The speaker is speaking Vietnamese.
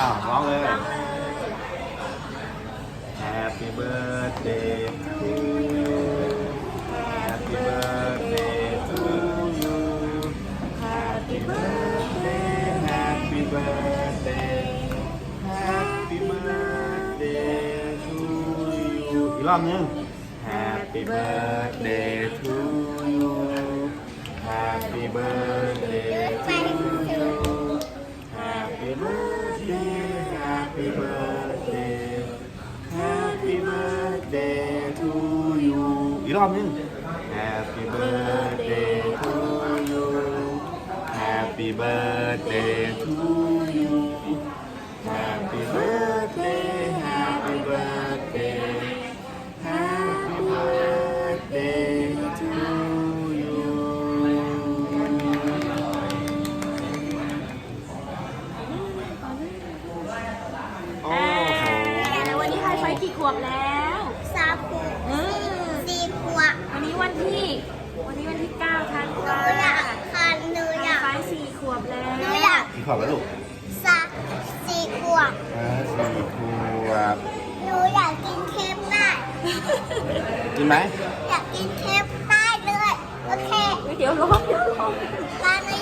าวร้องเลยร้องเลย Happy birthday to you Happy birthday to you Happy birthday Happy birthday Happy birthday to you อีกรอบนึง Happy birthday to you Happy birthday to you Happy birthday Happy birthday Happy birthday to you อีกรอบนึง Happy birthday to you Happy birthday to you Happy birthday Happy birthday Happy birthday to you โอ้โหแล้ววันนี้ไฮไฟกี่ขวบแล้ว 3 ขวบ 4 ขวบวันนี้วันที่ 9 ธันหนูวาอยากคันหนูอยากไฟ4 ขวบแล้วหนูอยากกี่ขวบแล้วลูก 4 ขวบ 4 ขวบหนูอยากกินเค้กได้กินไหมอยากกินเค้กได้เลยโอเคเดี๋ยวร้องตอนนี้